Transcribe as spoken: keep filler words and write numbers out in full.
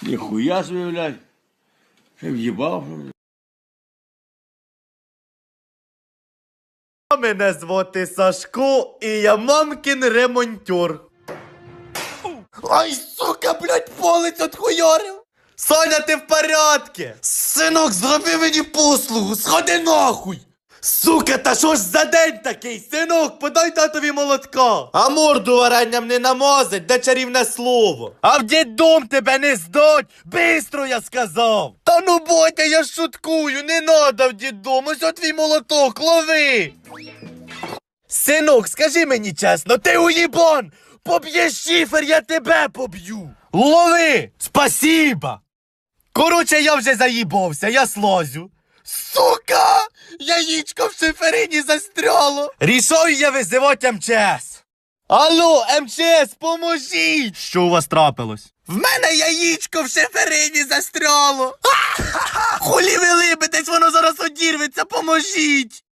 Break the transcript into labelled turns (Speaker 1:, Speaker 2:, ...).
Speaker 1: Ніхуя собі, блядь. Ще в'їбав.
Speaker 2: Мене звати Сашко, і я мамкін ремонтер. Ай, сука, блядь, палець отхуярив. Соня, ти в порядку? Синок, зроби мені послугу, сходи нахуй. Сука, та що ж за день такий? Синок, подай татові молотка. А морду варенням не намазать, де чарівне слово. А в діддом тебе не здать, бистро я сказав. Та ну Бодя, я шуткую, не надо в діддом, ось от твій молоток, лови. Синок, скажи мені чесно, ти уїбан! Поб'єш шифер, я тебе поб'ю! Лови! Спасіба! Короче, я вже заїбався, я слазю. Сука! Яєчко в шиферині застряло! Рішаю я визивати ем че ес. Алло, ем че ес, поможіть! Що у вас трапилось? В мене яєчко в шиферині застряло! Хулі ви либитесь, воно зараз одірветься, поможіть!